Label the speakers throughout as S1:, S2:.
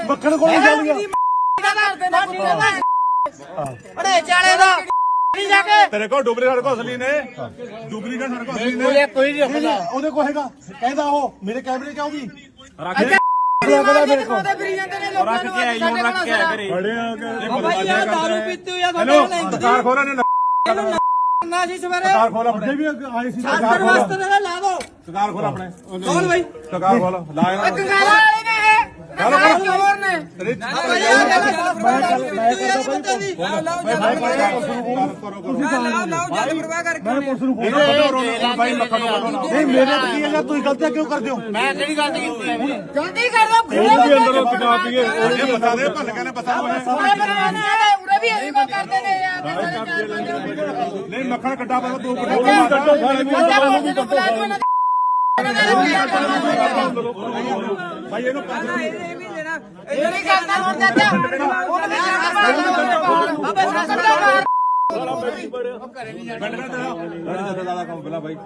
S1: ਮੱਖਣ ਕੋਲ ਚੱਲ ਗਿਆ
S2: ਅੜੇ ਚਾਲੇ ਦਾ ਜਾ ਕੇ
S3: ਤੇਰੇ ਕੋਲ ਡੁਗਰੀ ਸਾਡੇ ਕੋਲ ਅਸਲੀ ਨੇ ਡੁਗਰੀ ਦਾ ਸਾਡੇ ਕੋਲ ਅਸਲੀ ਨੇ
S1: ਕੋਈ ਨਹੀਂ ਰੱਖਦਾ ਉਹਦੇ ਕੋਲ ਹੈਗਾ ਕਹਿੰਦਾ ਉਹ ਮੇਰੇ ਕੈਮਰੇ ਚ ਆਉਗੀ
S3: ਰੱਖ
S2: ਰੱਖ ਕੇ ਆਈ ਹੁਣ ਰੱਖ ਕੇ ਆ ਘਰੇ
S3: ਬੜੇ ਆ
S2: ਭਾਈ ਆ ਦਾਰੂ ਪੀਤੀ ਹੋਈ ਆ
S3: ਹੈਲੋ ਦੁਕਾਨ ਖੋਲਾ ਨੇ
S2: ਨਾ ਜੀ ਸਵੇਰੇ
S3: ਦੁਕਾਨ ਖੋਲਾ
S1: ਅੱਗੇ ਵੀ ਆਏ ਸੀ
S2: ਸਾਤਰ ਵਾਸਤੇ ਨਾ ਲਾ ਦੋ
S3: ਦੁਕਾਨ ਖੋਲਾ ਆਪਣੇ
S2: ਕੌਣ ਬਾਈ
S3: ਦੁਕਾਨ ਖੋਲਾ ਲਾ ਇਹਨਾਂ
S2: ਕੰਗਾਲਾ ਵਾਲੇ ਨੇ ਹੋਰ ਨੇ
S3: ਭਾਈ ਮੱਖਣ ਨੂੰ
S1: ਨਹੀਂ ਮੇਰੇ ਤੇ ਕੀ ਹੈਗਾ ਤੁਸੀਂ ਗਲਤੀਆਂ ਕਿਉਂ ਕਰਦੇ ਹੋ
S2: ਮੈਂ ਕਿਹੜੀ ਗਲਤੀ ਕੀਤੀ ਹੈ ਗਲਤੀ ਕਰਦਾ
S3: ਅੰਦਰੋਂ ਟਿਕਾ ਪੀਏ ਇਹ ਬਤਾ ਦੇ ਭੱਲ ਕੇ ਨੇ ਬਤਾ
S2: ਉਰੇ ਵੀ ਇਹੀ ਕੋ ਕਰਦੇ ਨੇ ਯਾਰ
S3: ਨਹੀਂ ਮੱਖਣ ਕੱਟਾ ਪਾ ਤੂੰ ਭਾਈ ਇਹਨੂੰ
S2: ਇਹ ਨਹੀਂ ਕਰਦਾ ਹੁਣ ਚਾਚਾ ਉਹ ਨਹੀਂ ਕਰਦਾ
S3: ਦਾ ਕੰਮ ਪਹਿਲਾਂ ਭਾਈ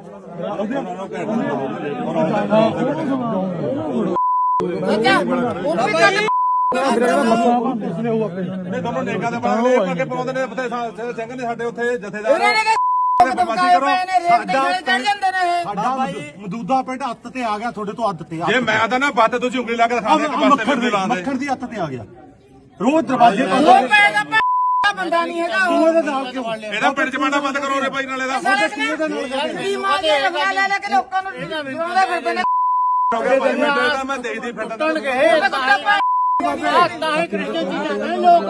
S2: ਚਾਚਾ ਉਹ ਵੀ ਕਰ
S3: ਨੇ ਦੋਨੋਂ ਨੇਕਾ ਦੇ ਬਾਰੇ ਪੱਕੇ ਪਾਉਂਦੇ ਨੇ ਪਤਾ ਸਿੰਘ ਨੇ ਸਾਡੇ ਉੱਥੇ ਜਥੇਦਾਰ
S1: ਸਾਡਾ ਮਦੂਦਾ ਪਿੰਡ ਹੱਥ ਤੇ ਆ ਗਿਆ ਤੁਹਾਡੇ ਤੋਂ ਹੱਥ ਤੇ
S3: ਜੇ ਮੈਂ ਆਦਾ ਨਾ ਬੱਤ ਤੁਸੀਂ ਉਂਗਲੀ ਲਾ ਕੇ ਦਿਖਾ ਦੇ ਇੱਕ ਪਾਸੇ ਮੇਰੇ ਲਾਉਂਦੇ
S1: ਮੱਖਣ ਦੀ ਹੱਥ ਤੇ ਆ ਗਿਆ ਰੋਜ਼ ਦਰਵਾਜ਼ੇ
S2: ਉਹ ਪੈਦਾ ਬੰਦਾ ਨਹੀਂ ਹੈਗਾ ਉਹ
S1: ਇਹਦੇ ਨਾਲ ਕਿਉਂ
S3: ਇਹਦਾ ਪਿੰਡ ਚ ਮਾੜਾ ਬੰਦ ਕਰੋ ਰੇ ਭਾਈ ਨਾਲੇ ਦਾ
S2: ਕੀ ਮਾਂ ਦੇ ਰਗੜਾ ਲੈ ਲੈ ਕੇ ਲੋਕਾਂ ਨੂੰ ਡਰਾਉਂਦੇ ਫਿਰਦੇ ਨੇ
S3: ਮੈਂ ਦੇਖਦੀ ਫਿਰਦਾ
S2: ਤਾਂ ਹੀ ਕ੍ਰਿਸਚਨ ਚੀਜ਼ਾਂ ਨੇ ਲੋਕ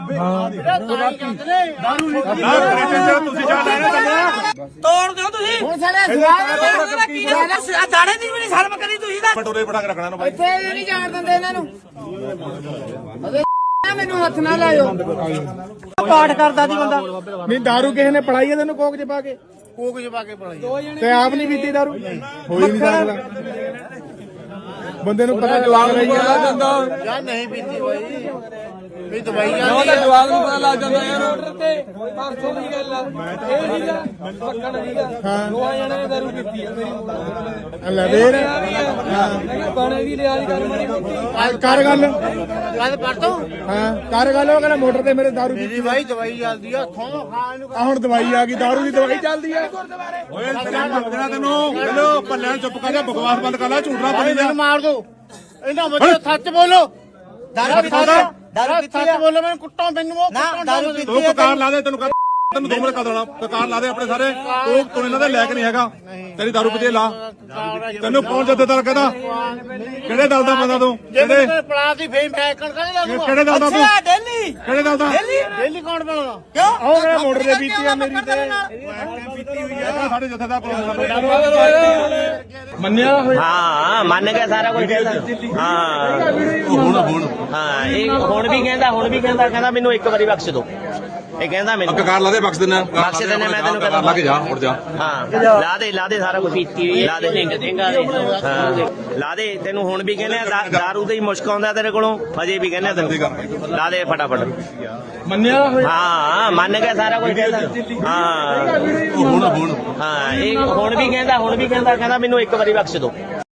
S3: ਤੁਸੀਂ ਜਾ ਲੈਣੇ
S2: ਤੋੜ ਦਿਓ ਤੁਸੀਂ ਹੁਣ ਸਾਡੇ ਦਾੜੇ ਦੀ ਵੀ ਨਹੀਂ ਸ਼ਰਮ ਕਰੀ ਤੁਸੀਂ ਤਾਂ
S3: ਪਟੋਰੇ ਬਣਾ ਕੇ ਰੱਖਣਾ ਨੂੰ ਭਾਈ
S2: ਇੱਥੇ ਇਹ ਨਹੀਂ ਜਾਣ ਦਿੰਦੇ ਇਹਨਾਂ ਨੂੰ ਅਰੇ ਮੈਨੂੰ ਹੱਥ ਨਾ ਲਾਇਓ ਪਾਠ ਕਰਦਾ ਸੀ ਬੰਦਾ
S1: ਨਹੀਂ ਦਾਰੂ ਕਿਸੇ ਨੇ ਪੜਾਈ ਤੈਨੂੰ ਕੋਕ ਚ ਪਾ ਕੇ ਪੜਾਈ ਤੇ ਆਪ ਨਹੀਂ ਪੀਤੀ ਦਾਰੂ ਹੋਈ ਨਹੀਂ ਸਕਦਾ ਬੰਦੇ ਨੂੰ ਪਤਾ ਜਵਾਬ ਨਹੀਂ ਜਾਂਦਾ
S2: ਯਾਰ ਨਹੀਂ ਪੀਤੀ ਬਾਈ ਵੀ ਦਵਾਈ ਆ
S4: ਉਹਦਾ ਜਵਾਬ ਨੂੰ ਪਤਾ ਲੱਗ ਜਾਂਦਾ ਯਾਰ ਆਰਡਰ ਤੇ ਪਰਸੋਂ ਦੀ ਗੱਲ ਆ ਇਹ ਸੀਗਾ ਪੱਕਣ ਸੀਗਾ ਦੋਹਾਂ ਜਣੇ ਨੇ ਦਾਰੂ ਪੀਤੀ ਆ ਮੇਰੀ
S1: ਲੈ ਦੇਰ
S4: ਬਾਣੇ ਦੀ ਲਿਆਜ ਕਰ ਮਾਰੀ
S1: ਕਰ ਗੱਲ
S2: ਗੱਲ ਕਰ ਤੂੰ
S1: ਹਾਂ ਕਰ ਗੱਲ ਉਹ ਕਹਿੰਦਾ ਮੋਟਰ ਤੇ ਮੇਰੇ ਦਾਰੂ
S2: ਮੇਰੀ ਬਾਈ ਦਵਾਈ ਚੱਲਦੀ ਆ ਹੱਥੋਂ ਖਾਣ ਨੂੰ
S1: ਆ ਹੁਣ ਦਵਾਈ ਆ ਗਈ ਦਾਰੂ ਦੀ ਦਵਾਈ ਚੱਲਦੀ ਆ
S3: ਓਏ ਸਮਝਣਾ ਤੈਨੂੰ ਹੈਲੋ ਭੱਲਿਆਂ ਚੁੱਪ ਕਰ ਜਾ ਬਕਵਾਸ ਬੰਦ ਕਰ ਲੈ ਝੂਠਣਾ ਬਣੀ ਜਾ
S2: ਮਾਰ ਦੋ ਇਹਨਾਂ ਬੱਚੇ ਸੱਚ ਬੋਲੋ ਦਾਰੂ ਸੱਚ ਬੋਲੋ ਮੈਨੂੰ ਕੁੱਟੋ ਮੈਨੂੰ ਉਹ ਦਾਰੂ
S3: ਤੂੰ ਕਕਾਰ ਲਾ ਦੇ ਤੈਨੂੰ ਤੈਨੂੰ 2 ਮਿੰਟ ਕਰ ਦੇਣਾ ਕਕਾਰ ਲਾ ਦੇ ਆਪਣੇ ਸਾਰੇ ਤੂੰ ਇਹਨਾਂ ਦੇ ਲੈ ਕੇ ਨਹੀਂ ਹੈਗਾ ਤੇਰੀ ਦਾਰੂ ਪੀਤੀ ਲਾ ਤੈਨੂੰ ਕੌਣ ਜੱਦੇਦਾਰ ਕਹਿੰਦਾ ਕਿਹੜੇ ਦਲ ਦਾ ਬੰਦਾ ਤੂੰ ਕਿਹੜੇ
S2: ਪਲਾਸੀ ਫੇਰ ਮੈਂ ਕਣਕਾਂ ਦਾ
S3: ਕਿਹੜੇ ਦਲ ਦਾ ਤੂੰ
S2: ਡੇਲੀ
S3: ਕਿਹੜੇ ਦਲ ਦਾ
S2: ਡੇਲੀ ਕੌਣ ਬਣਾਉਣਾ ਕਿਉਂ
S1: ਉਹ ਮੇਰਾ ਮੋਟਰ ਤੇ ਪੀਤੀ ਆ ਮੇਰੀ ਤੇ
S3: ਸਾਡੇ ਜਥੇਦਾਰ
S4: ਮੰਨਿਆ ਹੋਇਆ
S5: ਹਾਂ ਮੰਨ ਗਿਆ ਸਾਰਾ ਕੁਝ ਕਹਿੰਦਾ ਹਾਂ ਹਾਂ ਇਹ ਹੁਣ ਵੀ ਕਹਿੰਦਾ ਮੈਨੂੰ ਇੱਕ ਵਾਰੀ ਬਖਸ਼ ਦਿਓ ਇਹ ਕਹਿੰਦਾ ਮੈਨੂੰ
S3: ਕਕਾਰ ਲਾ ਦੇ ਬਖਸ਼ ਦਿੰਦਾ
S5: ਬਖਸ਼ ਦਿੰਦਾ ਮੈਂ ਤੈਨੂੰ ਕਹਿੰਦਾ
S3: ਲਾ ਕੇ ਜਾ ਉੱਠ ਜਾ
S5: ਹਾਂ ਲਾ ਦੇ ਸਾਰਾ ਕੁਝ ਪੀਤੀ ਹੋਈ ਲਾ ਦੇ ਹਾਂ ਲਾ ਦੇ ਤੈਨੂੰ ਹੁਣ ਵੀ ਕਹਿੰਦੇ ਆ ਦਾਰੂ ਦਾ ਹੀ ਮੁਸ਼ਕ ਆਉਂਦਾ ਤੇਰੇ ਕੋਲੋਂ ਹਜੇ ਵੀ ਕਹਿੰਦੇ ਤੈਨੂੰ ਲਾ ਦੇ ਫਟਾਫਟ
S4: ਮੰਨਿਆ ਹੋਇਆ
S5: ਹਾਂ ਮੰਨ ਗਿਆ ਸਾਰਾ ਕੁਝ ਕਹਿੰਦਾ ਹਾਂ ਹਾਂ ਇਹ ਹੁਣ ਵੀ ਕਹਿੰਦਾ ਮੈਨੂੰ ਇੱਕ ਵਾਰੀ ਬਖਸ਼ ਦਿਓ